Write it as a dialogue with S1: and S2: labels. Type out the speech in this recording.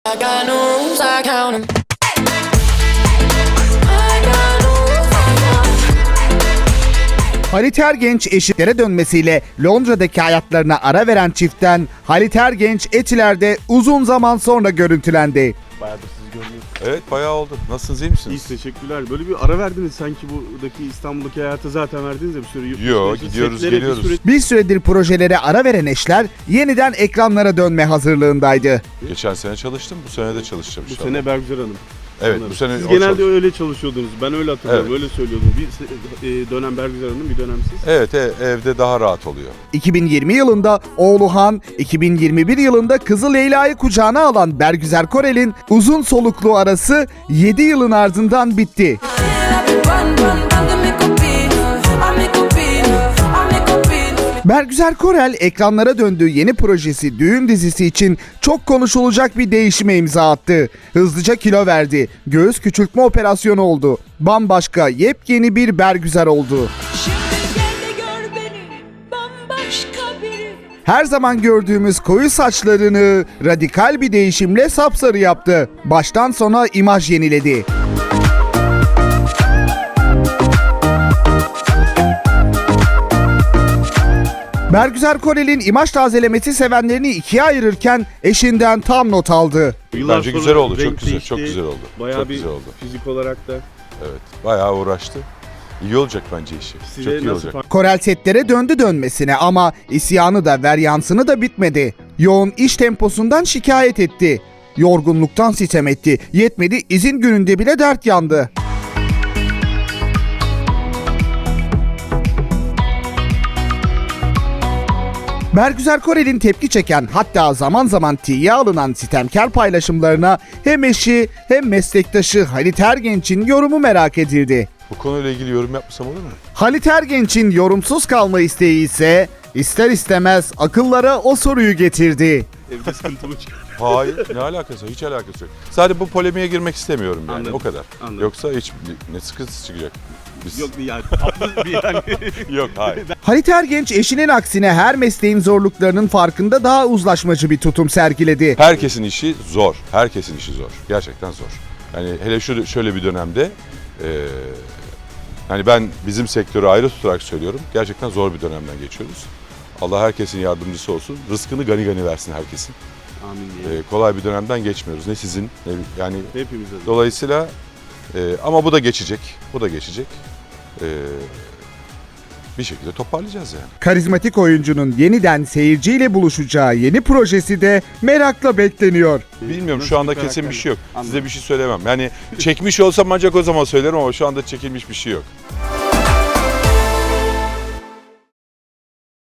S1: I got no rules, I count 'em.
S2: Halit Ergenç eşitlere dönmesiyle Londra'daki hayatlarına ara veren çiftten Halit Ergenç Etiler'de uzun zaman sonra görüntülendi.
S3: Bayağıdır sizi görmüyoruz.
S4: Evet bayağı oldu. Nasılsınız, iyi misiniz?
S3: İyi, teşekkürler. Böyle bir ara verdiniz sanki buradaki İstanbul'daki hayata zaten verdiniz ya bir sürü.
S4: Yo, gidiyoruz, geliyoruz.
S2: Bir süredir projelere ara veren eşler yeniden ekranlara dönme hazırlığındaydı.
S4: Geçen sene çalıştım, bu sene de çalışacağım
S3: Bu
S4: inşallah.
S3: sene Bergüzar Hanım.
S4: Evet,
S3: Sanırım.
S4: bu sene
S3: Siz
S4: o
S3: genelde
S4: çalış-
S3: öyle çalışıyordunuz. Ben öyle hatırlıyorum.
S4: Evet.
S3: Öyle söylüyordunuz. Bir dönem Bergüzar Hanım, bir dönem siz.
S4: Evet, evde daha rahat oluyor.
S2: 2020 yılında oğlu Han, 2021 yılında kızı Leyla'yı kucağına alan Bergüzar Korel'in uzun soluklu arası 7 yılın ardından bitti. Bergüzar Korel ekranlara döndüğü yeni projesi Düğün dizisi için çok konuşulacak bir değişime imza attı. Hızlıca kilo verdi. Göğüs küçültme operasyonu oldu. Bambaşka yepyeni bir Bergüzar oldu.
S5: Şimdi gel de gör beni bambaşka biri.
S2: Her zaman gördüğümüz koyu saçlarını radikal bir değişimle sapsarı yaptı. Baştan sona imaj yeniledi. Bergüzar Korel'in imaj tazelemesi sevenlerini ikiye ayırırken eşinden tam not aldı.
S3: Yıllar
S4: Bence
S3: sonra
S4: güzel oldu, çok
S3: renk
S4: güzel,
S3: değişti.
S4: çok güzel oldu.
S3: Bayağı
S4: Çok
S3: bir
S4: güzel oldu.
S3: fizik olarak da.
S4: Evet, bayağı uğraştı. İyi olacak bence işi.
S3: Size
S4: Çok iyi
S3: nasıl
S4: olacak.
S3: fark-
S2: Korel setlere döndü dönmesine ama isyanı da veryansını da bitmedi. Yoğun iş temposundan şikayet etti. Yorgunluktan sitem etti. Yetmedi, izin gününde bile dert yandı. Bergüzar Korel'in tepki çeken, hatta zaman zaman tiye alınan sitemkar paylaşımlarına hem eşi hem meslektaşı Halit Ergenç'in yorumu merak edildi.
S4: Bu konuyla ilgili yorum yapmasam olur mu?
S2: Halit Ergenç'in yorumsuz kalma isteği ise ister istemez akıllara o soruyu getirdi.
S3: Evde sıkıntı mı çıkar?
S4: Hayır, ne alakası var? Hiç alakası yok. Sadece bu polemiğe girmek istemiyorum yani,
S3: Anladım,
S4: o kadar.
S3: anladım.
S4: Yoksa hiç ne sıkıntısı çıkacak? Biz...
S3: Yok yani tatlı bir yani.
S4: Yok, hayır.
S2: Halit Ergenç eşinin aksine her mesleğin zorluklarının farkında daha uzlaşmacı bir tutum sergiledi.
S4: Herkesin işi zor. Herkesin işi zor. Gerçekten zor. Yani hele şöyle bir dönemde hani ben bizim sektörü ayrı tutarak söylüyorum. Gerçekten zor bir dönemden geçiyoruz. Allah herkesin yardımcısı olsun. Rızkını gani gani versin herkesin.
S3: Amin diye.
S4: Kolay bir dönemden geçmiyoruz. Ne sizin ne yani
S3: Hepimiz adına.
S4: dolayısıyla ama bu da geçecek. Bu da geçecek. Bir şekilde toparlayacağız yani.
S2: Karizmatik oyuncunun yeniden seyirciyle buluşacağı yeni projesi de merakla bekleniyor.
S4: Bilmiyorum
S3: Nasıl
S4: şu anda
S3: bir
S4: kesin bir
S3: karakter?
S4: şey yok.
S3: Anladım.
S4: Size bir şey söylemem. Yani çekmiş olsam ancak o zaman söylerim ama şu anda çekilmiş bir şey yok.